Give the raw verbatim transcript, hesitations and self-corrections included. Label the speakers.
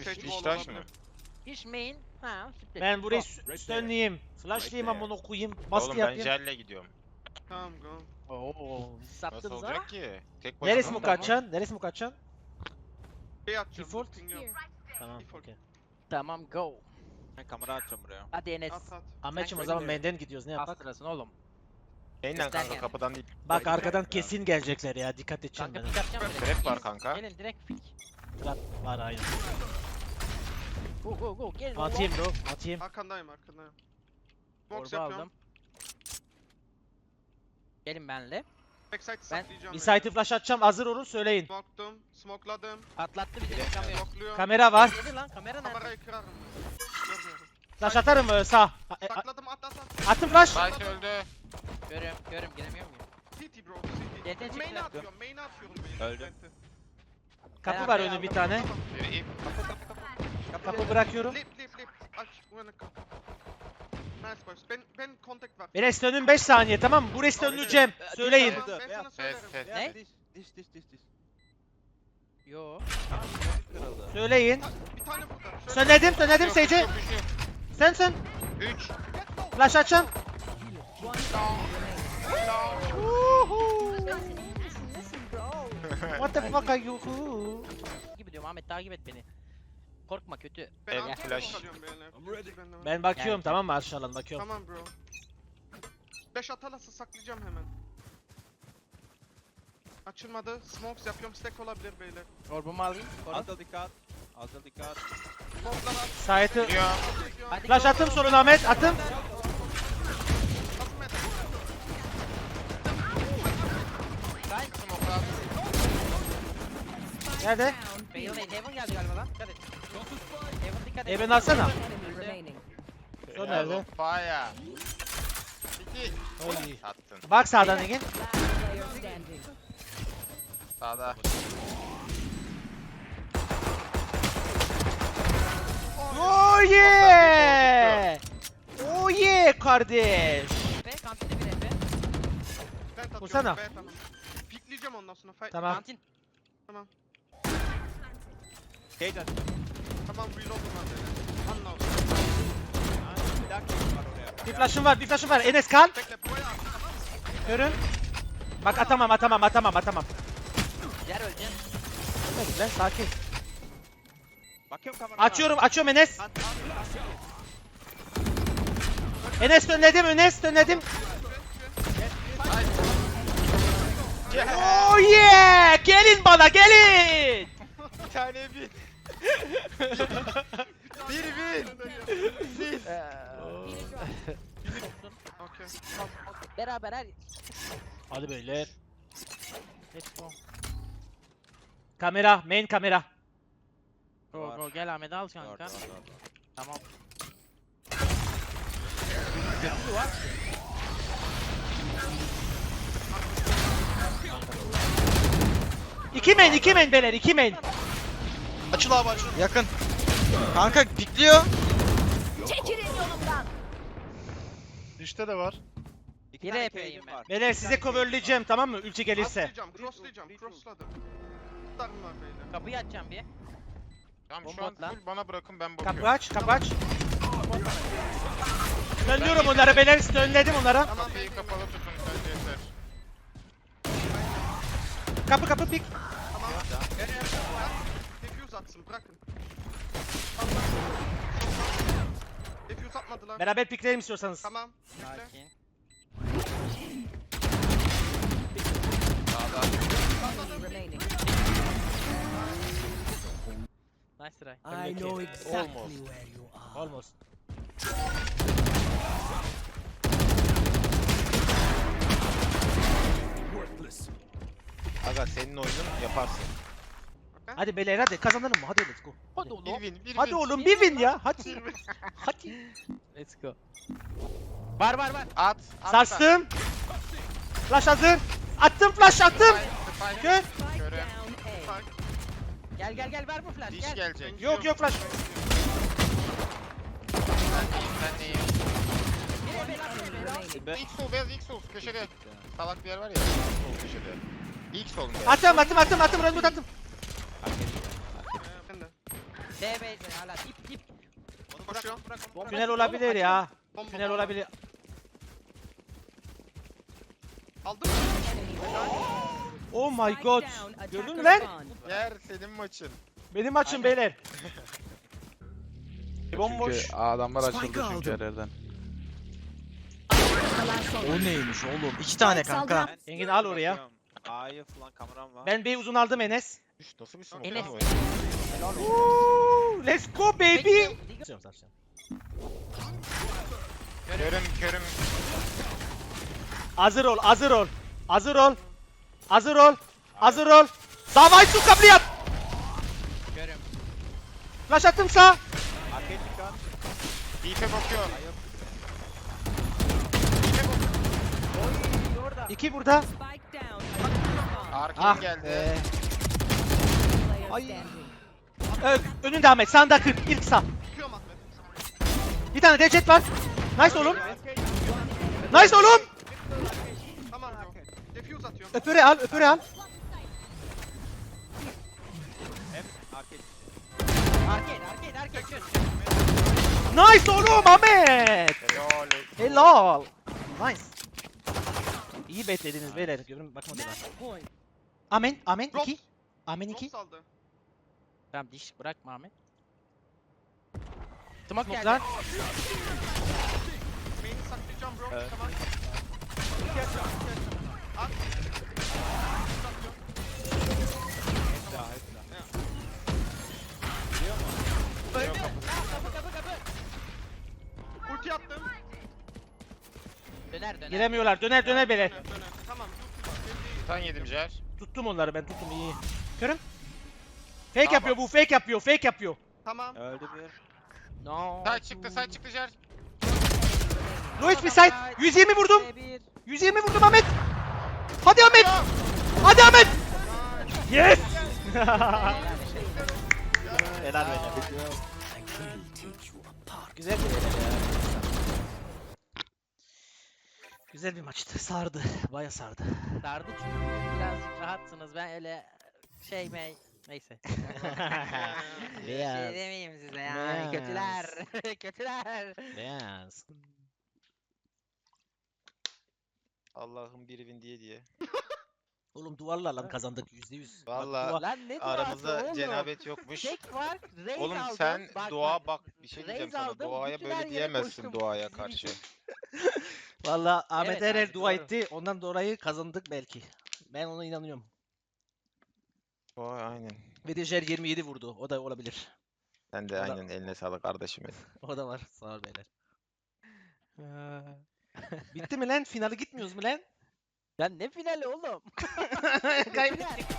Speaker 1: Push.
Speaker 2: Sage
Speaker 1: İş
Speaker 2: wall
Speaker 1: taş mı?
Speaker 2: olabilir.
Speaker 3: İş main. Ha, split.
Speaker 4: Ben burayı
Speaker 3: Go.
Speaker 4: stönleyeyim. Flashlayayım amına koyayım.
Speaker 1: Oğlum
Speaker 4: Baskı
Speaker 1: ben
Speaker 4: yapayım.
Speaker 1: jelle gidiyorum.
Speaker 2: Tamam go.
Speaker 3: Oo, siz
Speaker 1: Nasıl
Speaker 3: sattınız ha?
Speaker 1: olacak ki? Tek başına
Speaker 4: Neresi
Speaker 1: mı?
Speaker 4: mi kaçacaksın? Neresi mi kaçacaksın?
Speaker 2: Şey atacağım.
Speaker 4: Default.
Speaker 2: Bilmiyorum.
Speaker 4: Tamam
Speaker 2: Default.
Speaker 4: okey.
Speaker 3: Tamam go.
Speaker 5: Ben kamera atacağım buraya.
Speaker 3: Hadi Enes.
Speaker 2: At at.
Speaker 4: Ahmetciğim o
Speaker 3: Sen
Speaker 4: zaman
Speaker 3: söyle.
Speaker 4: main'den gidiyoruz ne yapak?
Speaker 3: Bastırasın oğlum.
Speaker 1: Neyle
Speaker 3: Göster
Speaker 1: kanka
Speaker 3: yani.
Speaker 1: kapıdan değil.
Speaker 4: Bak
Speaker 1: Haydi.
Speaker 4: arkadan kesin gelecekler ya dikkat edeceğim
Speaker 3: Kanka
Speaker 4: ben.
Speaker 3: pick atacağım direkt.
Speaker 1: Trap var kanka.
Speaker 3: Gelin direkt pick.
Speaker 4: Trap var aynen.
Speaker 3: Go go go. Gelin.
Speaker 4: Atayım bro atayım.
Speaker 2: Arkandayım arkandayım. Smokes
Speaker 3: Orba
Speaker 2: yapıyorum.
Speaker 3: aldım. Gelin benle.
Speaker 2: Backside
Speaker 3: Ben-
Speaker 2: saklayacağım.
Speaker 4: Bir site'ı flash atacağım hazır olun söyleyin.
Speaker 2: Smoktum. Smokeladım.
Speaker 3: Patlattı bir de kamera.
Speaker 2: Smokluyorum.
Speaker 4: Kamera var.
Speaker 3: Yedi lan kamera nerede?
Speaker 2: Kamerayı kırarım. Görmüyorum.
Speaker 4: Flash atarım mı sağ? Ha, e, a-
Speaker 2: Sakladım at at at.
Speaker 4: Attım flash.
Speaker 1: Site öldü.
Speaker 3: Görüyorum görüyorum giremiyor muyum?
Speaker 2: City bro
Speaker 3: Yeter,
Speaker 2: city.
Speaker 3: çıktı.
Speaker 2: Main'e atıyorum main'e atıyorum main'e.
Speaker 5: Öldü.
Speaker 2: Vent'i.
Speaker 4: Kapı
Speaker 3: Ben
Speaker 4: var
Speaker 3: arkaya
Speaker 4: önü bir
Speaker 3: aldım.
Speaker 4: tane.
Speaker 1: Bir ip.
Speaker 2: Kapı kapı kapı.
Speaker 4: Kapı bırakıyorum.
Speaker 2: Lip lip lip. Aç uyanık kapı. Nice boys. Ben ben contact var.
Speaker 4: Ben restönün beş saniye tamam mı? Bu restönü Cem. Söyleyin.
Speaker 2: Tamam, ben sana
Speaker 5: Beyaz.
Speaker 2: söylerim.
Speaker 1: Ses ses.
Speaker 3: Ne?
Speaker 5: Diş diş diş diş diş.
Speaker 3: Yo.
Speaker 5: Kırıldı.
Speaker 4: Söyleyin.
Speaker 2: Ta- Bir tane burada. Şöyle-
Speaker 4: Söyledim söyledim
Speaker 1: Yok,
Speaker 4: Sage'e.
Speaker 1: yok, yok, yok.
Speaker 4: Sen sen.
Speaker 1: Üç.
Speaker 4: Flash atacağım. What the fuck are you?
Speaker 3: Gibi diyorum Ahmet takip et beni. Korkma kötü.
Speaker 2: Ben
Speaker 1: Evet,
Speaker 2: arkaya
Speaker 1: flash.
Speaker 2: kalıyorum beyler. Ben de-
Speaker 4: Ben bakıyorum
Speaker 3: Yani.
Speaker 4: tamam mı aşağıdan bakıyorum.
Speaker 2: Tamam bro. beş atalası saklayacağım hemen. Açılmadı. Smokes yapıyorum. Stack olabilir beyler.
Speaker 3: Orbumu alayım. Koru.
Speaker 5: Alta dikkat. Alta dikkat.
Speaker 2: Smoke'lar at.
Speaker 4: Site'ı
Speaker 1: Geliyor.
Speaker 3: Hadi
Speaker 4: flash
Speaker 3: go,
Speaker 4: attım
Speaker 3: go.
Speaker 4: soluna Ahmet attım.
Speaker 2: Atma et.
Speaker 3: Side.
Speaker 1: Smoke at.
Speaker 4: Nerede?
Speaker 3: Bale değil. Heaven geldi galiba lan. Dikkat et. Heaven dikkat et.
Speaker 4: Heaven alsana.
Speaker 3: Öldü.
Speaker 4: Son nerede?
Speaker 1: Fire. İki.
Speaker 4: Oy.
Speaker 1: Attın.
Speaker 4: Bak sağdan Egin.
Speaker 1: Sağda.
Speaker 4: Oh yeah! Oh yeah kardeş.
Speaker 3: Ve kantinde bir Efe.
Speaker 2: Ben tatıyorum.
Speaker 4: Vursana.
Speaker 2: B tamam. Pikleyeceğim ondan sonra. Fight.
Speaker 4: Tamam.
Speaker 3: Kantin.
Speaker 2: Tamam.
Speaker 5: Cage aç.
Speaker 2: Tamam reload'um var beyler. Anla.
Speaker 5: Bir daha cage var oraya.
Speaker 4: Bir flash'ım var, bir flash'ım var. Enes kal.
Speaker 2: Bekle buraya at. Tamam mı?
Speaker 4: Görün. Bak atamam, atamam, atamam, atamam.
Speaker 3: Yer öleceğim.
Speaker 4: Ölmedik lan, sakin.
Speaker 5: Bakıyorum kameraya.
Speaker 4: Açıyorum, açıyorum Enes.
Speaker 5: At, at, at.
Speaker 4: Enes dönledim, Enes dönledim. Oh yeah! Gelin bana, gelin!
Speaker 1: Bir tane bin. Bir bin.
Speaker 2: Okey.
Speaker 3: Beraber her.
Speaker 4: Hadi beyler.
Speaker 3: Let's go.
Speaker 4: Kamera, main kamera.
Speaker 3: Go
Speaker 5: Var.
Speaker 3: go gel Ahmet al
Speaker 5: Var,
Speaker 3: kanka.
Speaker 5: var, var, var.
Speaker 3: Tamam.
Speaker 4: İki main, iki main beyler, iki main.
Speaker 6: Açıl abi açıl. Yakın. Kanka pikliyor.
Speaker 7: Çekilin yolumdan.
Speaker 6: Düşte de var.
Speaker 5: İki
Speaker 3: Biri
Speaker 5: tane
Speaker 3: epeyim
Speaker 5: cage'im
Speaker 3: ben.
Speaker 5: var.
Speaker 4: Beyler
Speaker 5: İki
Speaker 4: size
Speaker 5: tane cage'im
Speaker 4: coverlayacağım tamam mı? Ulti gelirse.
Speaker 2: Crosslayacağım. Crosslayacağım. Crossladım. Tutarım var beyler.
Speaker 3: Kapıyı açacağım bir.
Speaker 1: Tamam şu
Speaker 3: Bomba
Speaker 1: an
Speaker 3: at lan.
Speaker 1: full bana bırakın ben bakıyorum.
Speaker 4: Kapı aç, kapı aç. Dönüyorum onlara beyler, dönledim onlara.
Speaker 2: Tamam
Speaker 1: Kapıyı
Speaker 2: beyler.
Speaker 1: kapalı tutun bence yeter.
Speaker 4: Kapı kapı pik.
Speaker 2: Tamam. Defuse atsın bırakın. Defuse atmadılar.
Speaker 4: Beraber pikleyelim istiyorsanız.
Speaker 2: Tamam. Bekle.
Speaker 3: Sakin.
Speaker 1: Sağda.
Speaker 3: Nice try.
Speaker 4: I know exactly where you are. Almost.
Speaker 1: Aga senin oyunun yaparsın.
Speaker 4: Hadi beyler hadi kazanalım mı? Hadi let's go.
Speaker 3: Hadi
Speaker 1: Bir
Speaker 3: oğlum.
Speaker 1: win, bir
Speaker 4: Hadi
Speaker 1: win.
Speaker 4: oğlum bir win ya. Hadi. Hadi.
Speaker 3: Let's go. Var var var.
Speaker 1: At. at
Speaker 4: Sarstım. Flash hazır. Attım flash attım.
Speaker 1: Spike, spike.
Speaker 4: Gör.
Speaker 1: Körüm.
Speaker 3: Gel gel gel ver bu flash
Speaker 1: Diş
Speaker 3: gel.
Speaker 1: gelecek.
Speaker 4: Yok yok flash.
Speaker 1: Ben neyim ben neyim.
Speaker 3: Bir Efe lan bir Efe lan.
Speaker 1: İlk sol beyaz ilk sol köşede. Salak bir yer var ya. Sol köşede. İlk solun beyaz.
Speaker 4: Attım attım attım attım. Run attım.
Speaker 2: Ben de.
Speaker 3: B B hala dip dip.
Speaker 5: Onu bırak,
Speaker 2: Koşuyor.
Speaker 5: onu bırak, onu bırak.
Speaker 4: Tünel olabilir ya.
Speaker 2: Bomba,
Speaker 4: Tünel
Speaker 2: bomba.
Speaker 4: olabilir.
Speaker 2: Aldım.
Speaker 4: Oh my god. Gördün mü lan?
Speaker 1: Yer senin maçın.
Speaker 4: Benim maçım beyler. Bomboş.
Speaker 6: Çünkü adamlar açıldı çünkü yerlerden.
Speaker 7: Kalan son.
Speaker 6: O neymiş oğlum? İki tane
Speaker 7: Spike
Speaker 6: kanka.
Speaker 7: saldıran-
Speaker 4: Engin al oraya.
Speaker 5: Bakıyorum. A'yı falan kameram var.
Speaker 4: Ben B uzun aldım Enes.
Speaker 1: Üş, nasıl bir smoke
Speaker 3: Enes.
Speaker 1: lan o?
Speaker 4: Woo, let's go baby.
Speaker 1: Körüm körüm.
Speaker 4: Hazır ol, hazır ol. Hazır ol. Hazır ol. Hazır ol. Davay su kabliyat.
Speaker 3: Görüm.
Speaker 4: Flash attım sağ.
Speaker 5: Arcade dikkat.
Speaker 1: Deep'e bakıyor.
Speaker 5: Orada.
Speaker 4: İki burada.
Speaker 1: Arkin
Speaker 4: Ah
Speaker 1: geldi.
Speaker 4: be.
Speaker 7: Ay.
Speaker 4: Ö önünde Ahmet. Sağında kırk. İlk sağ.
Speaker 2: Çıkıyorum Ahmet.
Speaker 4: Bir tane de jet var. Nice oğlum. Nice oğlum.
Speaker 2: Tamam bro. Defuse atıyorum.
Speaker 4: Öpüre al, öpüre al.
Speaker 5: Hep arcade.
Speaker 3: Arcade arcade arcade çöz.
Speaker 4: Nice oğlum Ahmet.
Speaker 1: Helal.
Speaker 4: Helal. Nice. İyi beklediniz beyler. Görün bakma diyorlar. Amen, amen
Speaker 2: Drop.
Speaker 4: iki. Amen iki.
Speaker 2: Drop saldı.
Speaker 3: Tamam diş bırakma Ahmet. Smoke geldi.
Speaker 4: Smoke'lar.
Speaker 2: Main'i saklayacağım bro.
Speaker 5: Evet.
Speaker 2: Tamam. At. Satıyorum.
Speaker 5: Hep daha, hep daha.
Speaker 3: Öldü. Kapı kapı kapı.
Speaker 2: Ulti attım.
Speaker 3: Döner döner.
Speaker 4: Giremiyorlar. Döner döner beyler.
Speaker 2: Döner, döner. Tamam. Ulti var.
Speaker 1: Sen yedim Jer.
Speaker 4: Tuttum onları ben tuttum iyi. Görün. Fake
Speaker 1: Tamam.
Speaker 4: yapıyor bu, fake yapıyor, fake yapıyor.
Speaker 2: Tamam.
Speaker 5: Öldü bir.
Speaker 3: No.
Speaker 1: Sağ çıktı sağ çıktı Jer.
Speaker 4: Lois bir side. yüz yirmi vurdum.
Speaker 3: B bir.
Speaker 4: yüz yirmi vurdum Ahmet. Hadi Ahmet. Hadi Ahmet. Yes. Helal beyler. Güzel bir beyler ya. Güzel bir maçtı. Sardı. Baya sardı.
Speaker 3: Sardı çünkü biraz rahatsınız. Ben öyle şey mey neyse. Bir şey
Speaker 4: Beyaz.
Speaker 3: demeyeyim size
Speaker 4: Beyaz.
Speaker 3: yani kötüler. Kötüler.
Speaker 4: Beyaz.
Speaker 1: Allah'ım bir win diye diye.
Speaker 4: Oğlum duvarlarla kazandık yüzde yüz. Bak,
Speaker 1: Vallahi
Speaker 4: duvar-
Speaker 3: Lan ne duası
Speaker 1: aramızda
Speaker 3: oğlum?
Speaker 1: cenabet yokmuş.
Speaker 3: Tek var. Raze
Speaker 1: Oğlum
Speaker 3: aldım.
Speaker 1: sen
Speaker 3: Bak,
Speaker 1: dua bak bir şey
Speaker 3: Raze
Speaker 1: diyeceğim sana.
Speaker 3: aldım,
Speaker 1: Duaya
Speaker 3: bütün her
Speaker 1: böyle
Speaker 3: yere
Speaker 1: diyemezsin
Speaker 3: koştum.
Speaker 1: duaya
Speaker 3: Sizin
Speaker 1: karşı.
Speaker 3: için.
Speaker 4: Valla Ahmet
Speaker 3: Evet
Speaker 4: Erer
Speaker 3: abi,
Speaker 4: dua
Speaker 3: doğru.
Speaker 4: etti. Ondan dolayı kazandık belki. Ben ona inanıyorum.
Speaker 1: Vay aynen.
Speaker 4: Ve de Jer yirmi yedi vurdu. O da olabilir.
Speaker 1: Sen de
Speaker 4: Valla-
Speaker 1: aynen eline sağlık kardeşim benim.
Speaker 4: O da var. Sağ ol beyler. Bitti mi lan? Finale gitmiyoruz mu lan?
Speaker 3: Lan ne finali oğlum?
Speaker 4: Kaybettik.